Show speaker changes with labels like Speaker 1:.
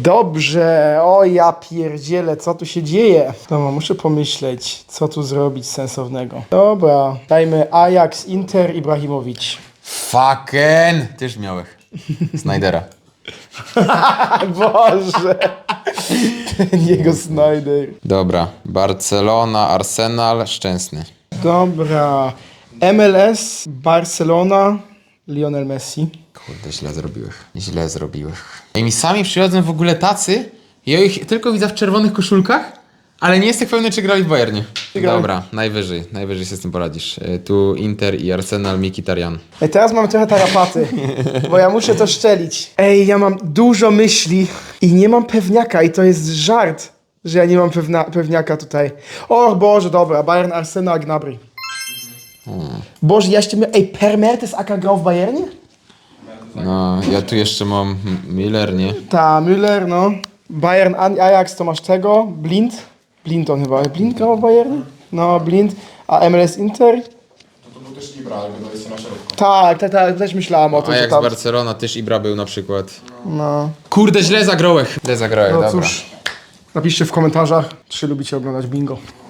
Speaker 1: Dobrze, o ja pierdzielę, co tu się dzieje? Dobra, muszę pomyśleć, co tu zrobić sensownego. Dobra, dajmy Ajax, Inter, Ibrahimowicz.
Speaker 2: Fucking! Tyż miałeś. Snydera.
Speaker 1: Boże, ten jego Snyder.
Speaker 2: Dobra. Barcelona, Arsenal, Szczęsny.
Speaker 1: Dobra, MLS, Barcelona, Lionel Messi.
Speaker 2: Kurde, źle zrobiłeś. Źle zrobiłeś. I mi sami przychodzą w ogóle tacy, ja ich tylko widzę w czerwonych koszulkach, ale nie jestem pewny, czy grali w Bayernie.
Speaker 1: grali.
Speaker 2: Dobra, najwyżej się z tym poradzisz. Tu Inter i Arsenal, Mkhitaryan.
Speaker 1: Ej, teraz mam trochę tarapaty, bo ja muszę to szczelić. Ej, ja mam dużo myśli i nie mam pewniaka i to jest żart, że ja nie mam pewniaka tutaj. O Boże, dobra, Bayern, Arsenal, Gnabry. Boże, ja jeszcze miałem... Ej, Per Mertesacker grał w Bayernie?
Speaker 2: No, ja tu jeszcze mam Miller, nie?
Speaker 1: Ta, Müller, no. Bayern, Ajax, to masz tego. Blind. Blind on chyba. Blind grał w Bayernie? No, Blind. A MLS Inter?
Speaker 3: To był też Ibra, ale to jest na środku.
Speaker 1: Tak, też myślałem o tym, że
Speaker 2: Ajax,
Speaker 1: tam...
Speaker 2: Barcelona, też Ibra był na przykład.
Speaker 1: No.
Speaker 2: Kurde, źle zagrałeś. Źle zagrałeś,
Speaker 1: No
Speaker 2: dobra.
Speaker 1: cóż, napiszcie w komentarzach, czy lubicie oglądać bingo.